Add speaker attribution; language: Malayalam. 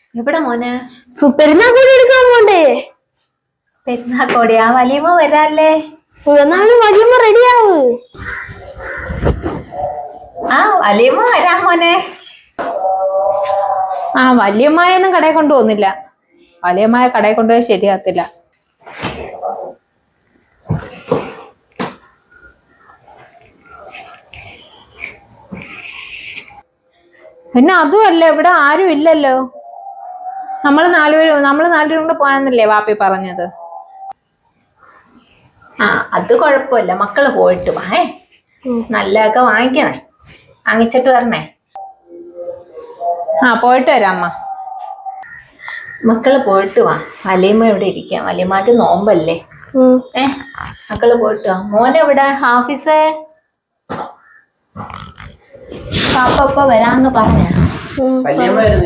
Speaker 1: എവിടെ മോനെ?
Speaker 2: പെരുന്നാക്കോടി എടുക്കാൻ പോണ്ടേ?
Speaker 1: പെരുന്നാക്കോടി ആ വലിയമ്മ വരാല്ലേ?
Speaker 2: എന്നാലും വലിയമ്മ റെഡിയാവ്.
Speaker 1: ആ വലിയമ്മ വരാം മോനെ.
Speaker 3: ആ വല്യമ്മായൊന്നും കടയിൽ കൊണ്ടുപോകുന്നില്ല. വലിയമ്മായ കടയിൽ കൊണ്ടുപോയി ശരിയാകത്തില്ല. പിന്നെ അതുമല്ല, ഇവിടെ ആരും ഇല്ലല്ലോ. നമ്മള് നാലുപേരും കൂടെ പോയാന്നല്ലേ വാപ്പി പറഞ്ഞത്.
Speaker 1: ആ അത് കൊഴപ്പില്ല, മക്കള് പോയിട്ട് വാ. നല്ലതൊക്കെ വാങ്ങിക്കണേ, വാങ്ങിച്ചിട്ട് വരണേ.
Speaker 3: ആ പോയിട്ട് വരാം അമ്മ.
Speaker 1: മക്കള് പോയിട്ട് വാ. വലിയമ്മ ഇവിടെ ഇരിക്കാം, വലിയമ്മക്ക് നോമ്പല്ലേ. മക്കള് പോയിട്ട് വാ. മോനെവിടെ? ഹാഫിസേ പാപ്പ വരാന്ന് പറഞ്ഞ